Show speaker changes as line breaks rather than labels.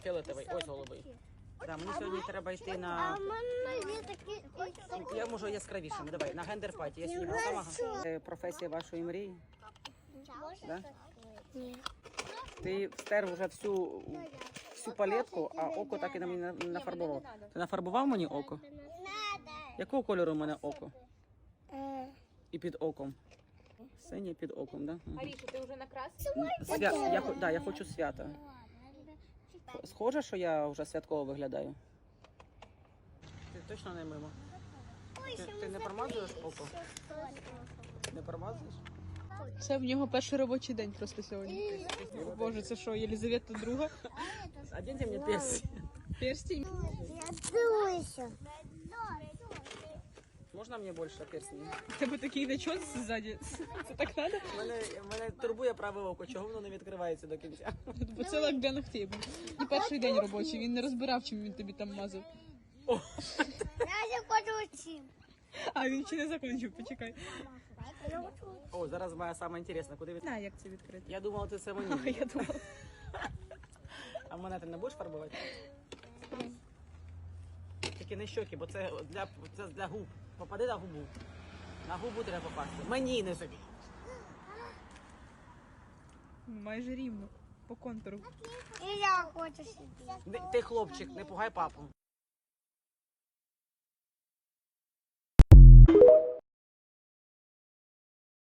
фіолетовий, ось голубий. Да, мені сьогодні треба йти
А
на...
в мене є такі...
Я можу яскравішими, давай, на гендер-паті. Я сьогодні готова. Професія вашої мрії? Да?
Ні.
Ти встер вже всю палетку, а око так і на мені не нафарбував. Ти нафарбував мені око? Якого кольору у мене око? І під оком? Синє під оком, так? Да?
Аріша, ти вже накрасила?
Я хочу свята. Схоже, що я вже святково виглядаю? Ти точно не мимо? Ти не промазуєш око? Не промазуєш?
Це в нього перший робочий день просто сьогодні. О, Боже, це що, Єлизавета друга?
Оденьте мені перстень.
Перстень?
Я дивлюся.
Можна мені більше перстень?
У тебе такий начос ззаді. Це так треба?
Мене турбує праве око, чого воно не відкривається до кінця?
Бо це лак для ногтей був. І перший день робочий, він не розбирав, чим він тобі там мазав.
Я не хочу цим.
А він ще не закінчив, почекай.
О, зараз моя саме інтересна, куди від...
На, як це відкрити?
Я думала, ти це
А,
мені.
я думала.
А мене ти не будеш фарбувати? Тільки не щоки, бо це для губ. Попади на губу. На губу треба попасти. Мені не собі.
Майже рівно, по контуру.
І я хочу собі.
Ти хлопчик, не пугай папу.